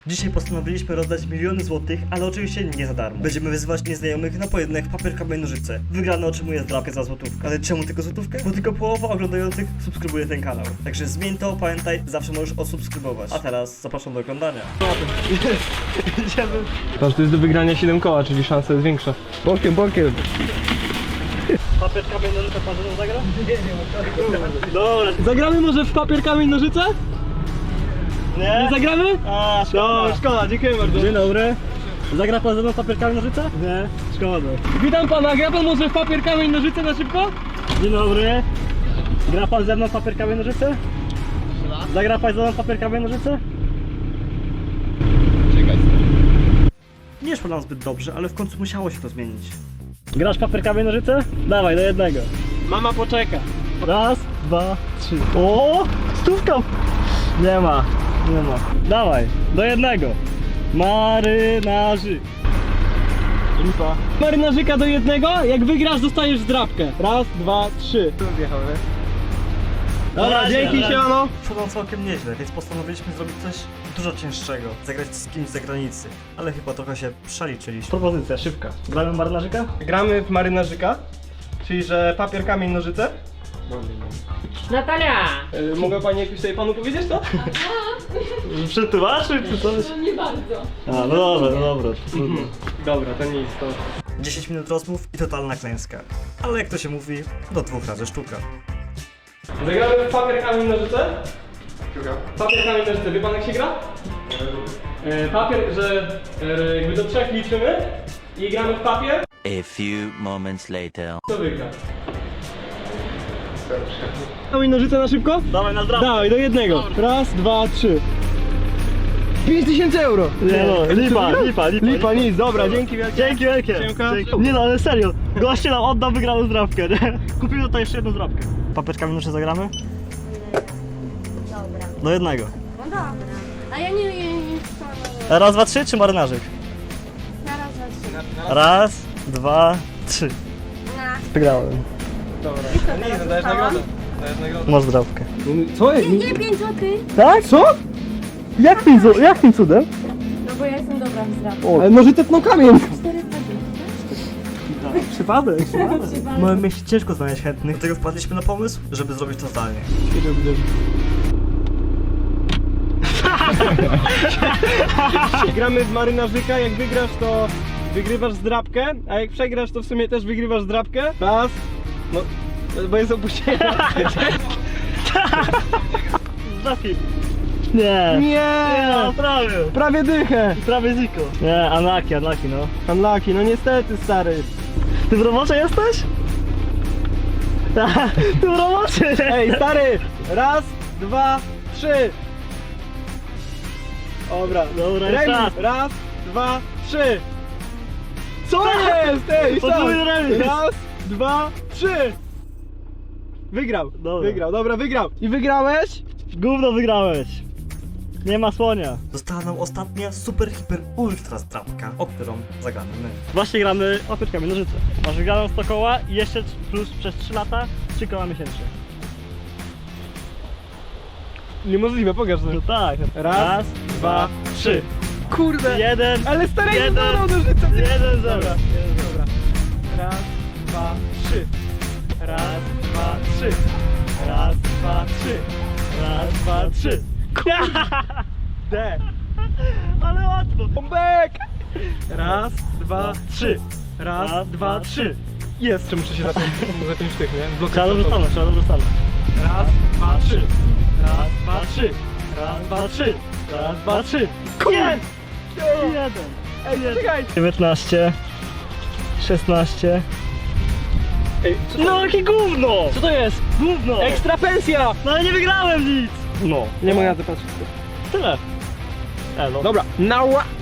Dzisiaj postanowiliśmy rozdać miliony złotych, ale oczywiście nie za darmo. Będziemy wyzywać nieznajomych na pojedynek papier, kamień, nożyce. Wygrany otrzymuje zdrapkę za złotówkę. Ale czemu tylko złotówkę? Bo tylko połowa oglądających subskrybuje ten kanał. Także zmień to, pamiętaj, zawsze możesz odsubskrybować. A teraz zapraszam do oglądania. Idziemy. Patrz, to jest do wygrania 7 koła, czyli szansa jest większa. Bokiem. Papier, kamień, nożyce, pan ze mną zagra? Nie. Dobra. Zagramy może w papier, kamień, nożyce? Nie? Nie zagramy? A, szkoda. Szkoda, dziękuję bardzo. Dzień dobry. Zagra pan ze mną papier, kamień, nożyce? Nie. Szkoda. Witam pana, gra pan może w papier, kamień, nożyce na szybko? Dzień dobry. Gra pan ze mną papier, kamień, nożyce? Zagra pan ze mną papier, kamień, nożyce? Czekaj. Nie szło nam zbyt dobrze, ale w końcu musiało się to zmienić. Grasz papier, kamień, nożyce? Dawaj, do jednego. Mama poczeka. Raz, dwa, trzy. O, stówka! Nie ma. Dawaj, do jednego. Marynarzyk. Lipa. Marynarzyka do jednego, jak wygrasz dostajesz zdrapkę. Raz, dwa, trzy. Tu wjechał, nie? Dobra, dzięki, siemano. Szło nam całkiem nieźle, więc postanowiliśmy zrobić coś dużo cięższego. Zagrać z kimś z zagranicy. Ale chyba trochę się przeliczyliśmy. Propozycja szybka. Gramy marynarzyka? Gramy w marynarzyka, czyli że papier, kamień, nożyce. Natalia! Mogę pani jakoś sobie panu powiedzieć to? Przetłumaczyć czy coś? No nie bardzo. A, no dobra. Dobra, to nic, to... 10 minut rozmów i totalna klęska. Ale jak to się mówi, do 2 razy sztuka. Zagramy w papier, kamień, nożyce? Papier, kamień, nożyce. Wie pan jak się gra? Papier, że jakby do 3 liczymy i gramy w papier. A few moments later. Kto wygra? Kamień, nożyce na szybko? Dawaj na zdrowie. Dawaj, do jednego. Raz, dwa, trzy. 5000 euro! Nie no, lipa. Lipa, nic, dobra, dzięki wielkie. Dzięki wielkie. Siemka. Dzięki. Nie no, ale serio. Goście nam oddał wygraną zdrabkę, nie? Kupimy tutaj jeszcze jedną zdrabkę. Papeczkami nożyce zagramy? Dobra. Do jednego. No dobra. A ja nie chcę. Raz, dwa, trzy czy marynarzyk? Zaraz zacznę. Raz, dwa, trzy. Na. Wygrałem. Dobra, nie, dajesz nagrodę. Dajesz nagrodę. Masz zdrabkę. Co? Nie 5 złotych. Tak? Co? Jakim cudem? No bo ja jestem dobra w zdrapie. Ale nożyce tną kamień. 4,20. Przypadek. Mamy mieć ciężko znaleźć chętnych. Dlatego wpadliśmy na pomysł, żeby zrobić to zdalnie. Gramy w marynarzyka, jak wygrasz to wygrywasz zdrabkę, a jak przegrasz to w sumie też wygrywasz zdrabkę. Raz, no, bo jest opóźnienie. Zdrabki. Nie. Nie! No, prawie. Prawie dychę. Prawie ziko. Nie, unlucky, no. Unlucky, no niestety stary. Ty w robocie jesteś? Ty w robocie! Ej stary, raz, dwa, trzy. Dobra, Dobra, remis. czas. Raz, dwa, trzy. Co jest? Ej, Podwójny remis. Raz, dwa, trzy. Wygrał, Dobra. wygrał, dobra, wygrał. I wygrałeś? Gówno wygrałeś! Nie ma słonia. Została nam ostatnia super, hiper, ultra zdrabka, o którą zagramy my. Właśnie gramy papierkami nożyce. Masz wygraną 100 koła i jeszcze plus przez 3 lata 3 koła miesięcznie. Niemożliwe, pokaż to. No tak. Raz, dwa, trzy. Kurde. Jeden. Ale stary, jeden, no, nożyce. jeden, Dobra, dobra. dobra. Raz, dwa, trzy. Raz, dwa, trzy. Raz, dwa, trzy. Raz, dwa, trzy. D. Ale łatwo. Bombek. Raz, dwa, trzy. Raz, dwa, trzy. Jest, czy muszę się za tym sztych, nie? Trzeba dobrze stanąć, Raz, dwa, trzy. Raz, dwa, trzy. Raz, dwa, trzy. Raz, dwa, trzy. Jest! Jeden. Ej, czekaj. 19. 16. Ej, No jakie gówno! co to jest? Gówno! Ekstra pensja! No ale nie wygrałem nic! No. Nie mogę na to patrzeć. Tyle. No. Dobra, nała.